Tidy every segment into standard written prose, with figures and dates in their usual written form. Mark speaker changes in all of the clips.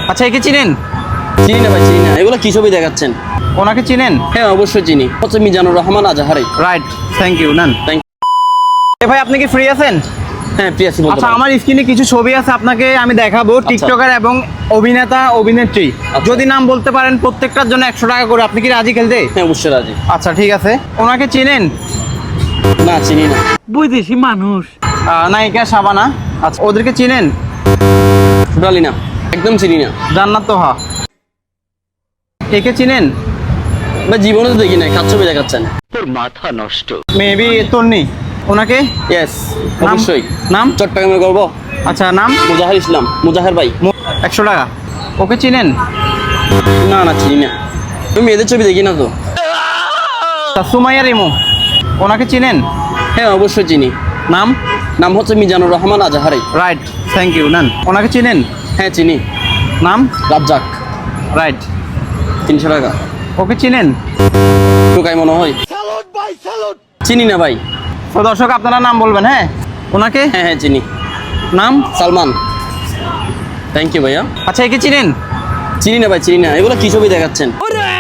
Speaker 1: আচ্ছা, একে চিনেন?
Speaker 2: চিনি না ভাই, চিনি না। এগুলো কি ছবি দেখাচ্ছেন?
Speaker 1: ওনাকে চিনেন?
Speaker 2: হ্যাঁ অবশ্যই চিনি, হচ্ছে Mizanur Rahman Azhari.
Speaker 1: Right, thank you. নেন।
Speaker 2: থ্যাংক
Speaker 1: ভাই, আপনি কি ফ্রি আছেন?
Speaker 2: হ্যাঁ প্রিয়াসি বলতে
Speaker 1: আচ্ছা,
Speaker 2: পারেন।
Speaker 1: আমার স্ক্রিনে কিছু ছবি আছে, আপনাকে আমি দেখাবো। টিকটকার এবং অভিনেতা অভিনেত্রী, যদি নাম বলতে পারেন প্রত্যেকটার জন্য 100 টাকা করে। আপনি কি রাজি খেলতে?
Speaker 2: হ্যাঁ অবশ্যই রাজি।
Speaker 1: আচ্ছা ঠিক আছে। ওনাকে চিনেন?
Speaker 2: না চিনি না।
Speaker 3: বৈদেশি মানুষ।
Speaker 1: নায়িকা শাবানা। আচ্ছা, ওদেরকে চিনেন?
Speaker 2: টোটালি না, একদম চিনি না
Speaker 1: জান্নাত তোহা। একে চিনেন?
Speaker 2: ভাই জীবনে তো দেখি নাই, কাজ ছবি দেখাচ্ছেন।
Speaker 1: মেবি তন্নি। ওনাকে?
Speaker 2: ইয়েস
Speaker 1: নাম?
Speaker 2: অবশ্যই।
Speaker 1: নাম?
Speaker 2: চট্টগ্রামে করবো।
Speaker 1: আচ্ছা, নাম?
Speaker 2: মুজাহির ইসলাম, মুজাহির ভাই।
Speaker 1: 100 টাকা। ওকে চিনেন?
Speaker 2: না না চিনি না, তুমি মেয়েদের ছবি দেখি না তো।
Speaker 1: সুমাইয়া রিমু। ওনাকে চিনেন?
Speaker 2: হ্যাঁ অবশ্যই চিনি।
Speaker 1: নাম?
Speaker 2: নাম হচ্ছে Mizanur Rahman Azhari.
Speaker 1: Right, thank you. নেন। ওনাকে চিনেন?
Speaker 2: হ্যাঁ চিনি।
Speaker 1: নাম?
Speaker 2: রাজ্জাক।
Speaker 1: রাইট।
Speaker 2: 300 টাকা।
Speaker 1: ওকে চিনেন?
Speaker 2: টোকাই মনে হয়। চিনি না ভাই।
Speaker 1: তো দর্শক, আপনারা নাম বলবেন। হ্যাঁ, ওনাকে?
Speaker 2: হ্যাঁ হ্যাঁ চিনি।
Speaker 1: নাম?
Speaker 2: সালমান। থ্যাংক ইউ ভাইয়া।
Speaker 1: আচ্ছা, একে চিনেন?
Speaker 2: চিনি না ভাই, চিনি না। এগুলো কি ছবি দেখাচ্ছেন?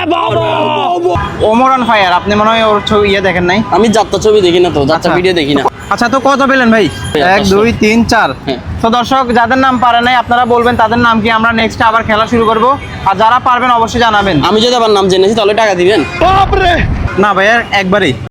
Speaker 1: Omar on fire. আপনি মনে হয় ওর ছবি দেখেন নাই।
Speaker 2: আমি যাত্রা ছবি দেখি না তো, যাত্রা
Speaker 1: আচ্ছা।
Speaker 2: ভিডিও দেখি না।
Speaker 1: আচ্ছা, তো কত পেলেন ভাই? 1 2 3 4।
Speaker 2: হ্যাঁ।
Speaker 1: তো দর্শক, যাদের নাম পারে নাই আপনারা বলবেন তাদের নাম কি, আমরা নেক্সট আবার খেলা শুরু করব। আর যারা পারবেন অবশ্যই জানাবেন।
Speaker 2: আমি যদি আবার নাম জেনেছি তাহলে টাকা দিবেন?
Speaker 1: না ভাইয়া, একবারেই।